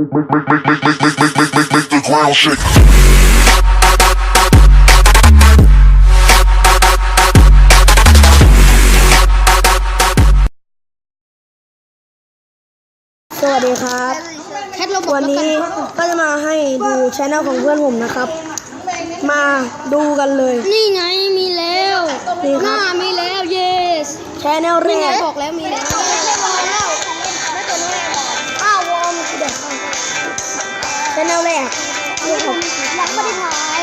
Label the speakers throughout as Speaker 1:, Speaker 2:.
Speaker 1: Make the ground shake.
Speaker 2: สวัสดีครับวันนี้ก็จะมาให้ดูช anel ของเพื่อนผมนะครับมาดูกันเลย
Speaker 3: นี่ไงมีแล้ว
Speaker 2: นี่ครับ
Speaker 3: มีแล้ว yes
Speaker 2: channel แรก
Speaker 3: บอกแล้วมีแล้ว
Speaker 2: อ้าววอร์มเด็กchannel แรกนี่ครับ
Speaker 3: ยังไม่ได้ถ่าย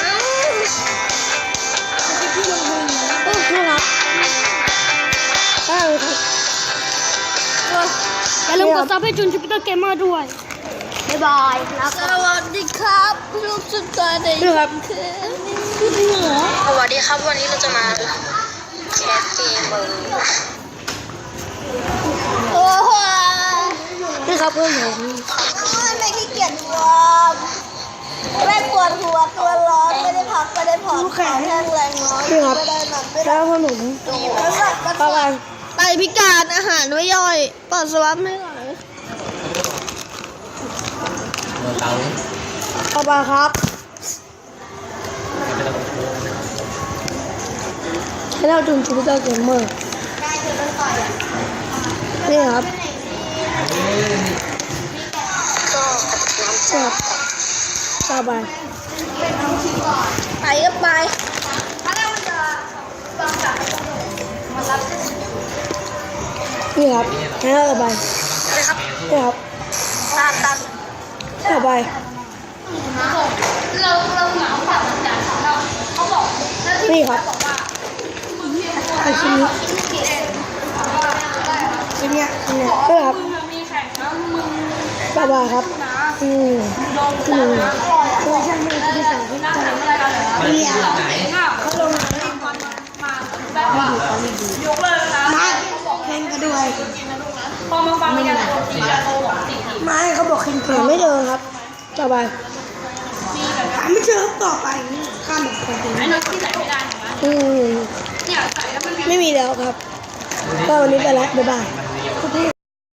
Speaker 2: นี่ครับ
Speaker 3: อย่าลืมกดซับให้จุนจูปิเตอร์เกมเมอร์ด้วยบ๊ายบายสวัสดีครับลูกสุดท้ายใน
Speaker 2: นี่ครับ
Speaker 4: สวัสดีครับวันนี้เราจะมาแคสเกม
Speaker 3: โอ้โห
Speaker 2: นี่ครับเพื่อนผม
Speaker 3: ไม่ขี้เกียจวอร์มไม่ปวดหัวตัวร้อนไม่ได้พักไม่ได้ผ่อนขาแห้งแรงน้อยไม่ได้หนักไม่ได้
Speaker 2: แล้วเพื่อนผมอะไร
Speaker 3: ไตพิการอาหารไม่ย่อยปัสสาวะไม่ไหล
Speaker 2: ต่อไปครับให้เราจุนจูปิเตอร์เกมเมอร์นี่ครับครับต่อไป
Speaker 3: ก็ไป
Speaker 2: นี่ครับให้เราต่อไปนี่ครับต่อไปนี่ครับไอชิ้นนี้นี่ครับต่อไปครับไม่เขาบอกคิงหาไม่เจอครับต่อไปหาไม่เจอต่อไปข้ามแบบคนเดียวไม่มีแล้วครับก็วันนี้ไปแล้วบ๊ายบาย